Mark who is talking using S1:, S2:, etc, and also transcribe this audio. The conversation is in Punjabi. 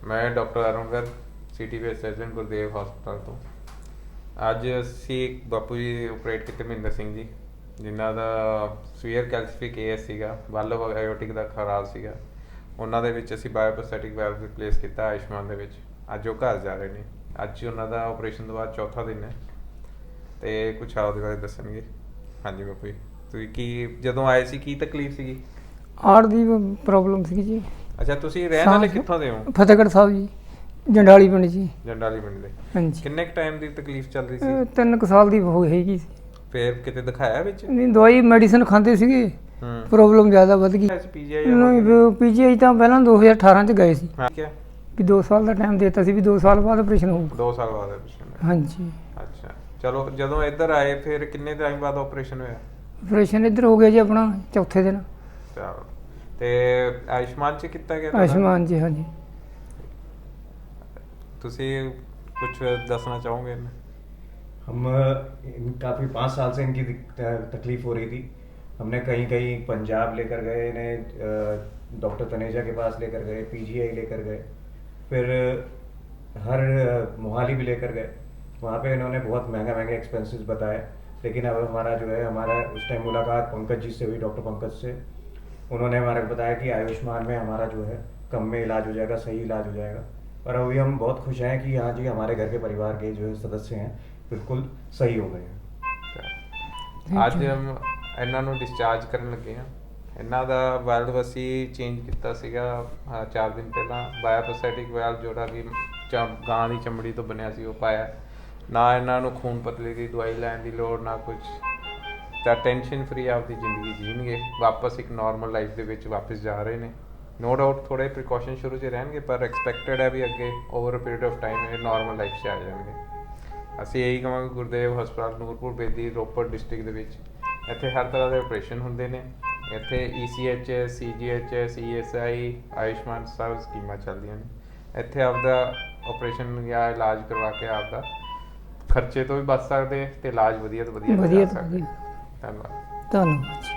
S1: ਮੈਂ doctor Arun Garg CT VS surgeon Gurdev ਹਸਪਤਾਲ ਤੋਂ। ਅੱਜ ਅਸੀਂ ਬਾਪੂ ਜੀ ਆਪਰੇਟ ਕੀਤੇ ਮਹਿੰਦਰ ਸਿੰਘ ਜੀ, ਜਿਨ੍ਹਾਂ ਦਾ ਸਵੀਅਰ ਕੈਲਸੀਫਿਕ ਏਐਸ ਸੀਗਾ, ਵਾਲਵ ਆਇਓਟਿਕ ਦਾ ਖਰਾਬ ਸੀਗਾ। ਉਹਨਾਂ ਦੇ ਵਿੱਚ ਅਸੀਂ ਬਾਇਓਪੋਸਟੈਟਿਕ ਵੈਲਵ ਰਿਪਲੇਸ ਕੀਤਾ ਆਯੁਸ਼ਮਾਨ ਦੇ ਵਿੱਚ। ਅੱਜ ਉਹ ਘਰ ਜਾ ਰਹੇ ਨੇ। ਅੱਜ ਉਹਨਾਂ ਦਾ ਆਪਰੇਸ਼ਨ ਤੋਂ ਬਾਅਦ ਚੌਥਾ ਦਿਨ ਹੈ ਅਤੇ ਕੁਛ ਆਪਦੇ ਬਾਰੇ ਦੱਸਣਗੇ। ਹਾਂਜੀ ਬਾਪੂ ਜੀ, ਤੁਸੀਂ ਕੀ ਜਦੋਂ ਆਏ ਸੀ ਕੀ ਤਕਲੀਫ ਸੀਗੀ?
S2: ਹਾਰਟ ਦੀ ਪ੍ਰੋਬਲਮ ਸੀ ਜੀ।
S1: ਅੱਛਾ, ਤੁਸੀਂ ਰਹਿਣ ਵਾਲੇ ਕਿੱਥੋਂ ਦੇ ਹੋ?
S2: ਫਤਿਹਗੜ੍ਹ ਸਾਹਿਬ ਜੀ, ਜੰਡਾਲੀ ਪਿੰਡ ਜੀ।
S1: ਜੰਡਾਲੀ ਪਿੰਡ ਦੇ।
S2: ਹਾਂਜੀ।
S1: ਕਿੰਨੇ ਕੁ ਟਾਈਮ ਦੀ ਤਕਲੀਫ ਚੱਲ ਰਹੀ ਸੀ?
S2: 3 ਸਾਲ ਦੀ ਹੋ ਹੈਗੀ ਸੀ।
S1: ਫਿਰ ਕਿਤੇ ਦਿਖਾਇਆ ਵਿੱਚ?
S2: ਨਹੀਂ, ਦਵਾਈ ਮੈਡੀਸਨ ਖਾਂਦੇ ਸੀਗੇ, ਪ੍ਰੋਬਲਮ ਜ਼ਿਆਦਾ ਵੱਧ ਗਈ। ਪੀਜੀਆਈ ਤਾਂ ਪਹਿਲਾਂ 2018 ਚ ਗਏ ਸੀ ਵੀ 2 ਸਾਲ ਦਾ ਟਾਈਮ ਦਿੱਤਾ ਸੀ ਵੀ 2 ਸਾਲ ਬਾਅਦ ਆਪਰੇਸ਼ਨ ਹੋਊਗਾ।
S1: 2 ਸਾਲ ਬਾਅਦ ਆਪਰੇਸ਼ਨ? ਹਾਂਜੀ। ਅੱਛਾ, ਚਲੋ ਜਦੋਂ ਇੱਧਰ ਆਏ ਫਿਰ ਕਿੰਨੇ ਟਾਈਮ ਬਾਅਦ ਆਪਰੇਸ਼ਨ ਹੋਇਆ?
S2: ਆਪਰੇਸ਼ਨ ਇੱਧਰ ਹੋ ਗਿਆ ਜੀ ਆਪਣਾ ਚੌਥੇ ਦਿਨ।
S1: ਚਲੋ, ਤੇ ਆਯੁਸ਼ਮਾਨ ਚ ਕੀਤਾ ਗਿਆ?
S2: ਆਯੁਸ਼ਮਾਨ ਜੀ, ਹਾਂਜੀ।
S1: ਤੁਸੀਂ कुछ दसना चाहोगे?
S3: हम काफ़ी 5 साल से इनकी तकलीफ़ हो रही थी। हमने कहीं कहीं पंजाब लेकर गए, इन्हें डॉक्टर तनेजा के पास लेकर गए, पीजीआई लेकर गए, फिर हर मोहाली भी लेकर गए। वहाँ पे इन्होंने बहुत महंगे एक्सपेंसेस बताए। लेकिन अब हमारा जो है, हमारा उस टाइम मुलाकात पंकज जी से हुई, डॉक्टर पंकज से। उन्होंने हमारे को बताया कि आयुष्मान में हमारा जो है कम में इलाज हो जाएगा, सही इलाज हो जाएगा। और अभी हम बहुत खुश हैं कि हाँ जी, हमारे घर के परिवार के जो सदस्य हैं बिल्कुल सही हो गए हैं।
S1: ਅੱਜ ਇਹਨਾਂ ਨੂੰ ਡਿਸਚਾਰਜ ਕਰਨ ਲੱਗੇ ਹਾਂ। ਇਹਨਾਂ ਦਾ ਵਾਲਵ ਅਸੀਂ ਚੇਂਜ ਕੀਤਾ ਸੀਗਾ 4 ਦਿਨ ਪਹਿਲਾਂ। ਬਾਇਓਪੋਸਟੈਟਿਕ ਵਾਲਵ ਜਿਹੜਾ ਕਿ ਗਾਂ ਦੀ ਚਮੜੀ ਤੋਂ ਬਣਿਆ ਸੀ ਉਹ ਪਾਇਆ। ਨਾ ਇਹਨਾਂ ਨੂੰ ਖੂਨ ਪਤਲੇ ਦੀ ਦਵਾਈ ਲੈਣ ਦੀ ਲੋੜ, ਨਾ ਕੁਛ। ਤਾਂ ਟੈਨਸ਼ਨ ਫਰੀ ਆਪਦੀ ਜ਼ਿੰਦਗੀ ਜੀਣਗੇ, ਵਾਪਸ ਇੱਕ ਨੋਰਮਲ ਲਾਈਫ ਦੇ ਵਿੱਚ ਵਾਪਸ ਜਾ ਰਹੇ ਨੇ। ਨੋ ਡਾਊਟ ਥੋੜ੍ਹੇ ਪ੍ਰੀਕੋਸ਼ਨ ਸ਼ੁਰੂ 'ਚ ਰਹਿਣਗੇ, ਪਰ ਐਕਸਪੈਕਟਡ ਹੈ ਵੀ ਅੱਗੇ over a period of time ਇਹ ਨੋਰਮਲ ਲਾਈਫ 'ਚ ਆ ਜਾਣਗੇ। ਅਸੀਂ ਇਹੀ ਕਹਾਂਗੇ ਗੁਰਦੇਵ ਹਸਪਤਾਲ ਨੂਰਪੁਰ ਬੇਦੀ ਰੋਪੜ ਡਿਸਟ੍ਰਿਕਟ ਦੇ ਵਿੱਚ ਇੱਥੇ ਹਰ ਤਰ੍ਹਾਂ ਦੇ ਆਪਰੇਸ਼ਨ ਹੁੰਦੇ ਨੇ। ਇੱਥੇ ECH, CGH, CSI, ਆਯੁਸ਼ਮਾਨ ਸਭ ਸਕੀਮਾਂ ਚੱਲਦੀਆਂ ਨੇ। ਇੱਥੇ ਆਪਦਾ ਆਪਰੇਸ਼ਨ ਜਾਂ ਇਲਾਜ ਕਰਵਾ ਕੇ ਆਪਦਾ ਖਰਚੇ ਤੋਂ ਵੀ ਬਚ ਸਕਦੇ ਅਤੇ ਇਲਾਜ ਵਧੀਆ ਤੋਂ ਵਧੀਆ।
S2: ਧੰਨਵਾਦ।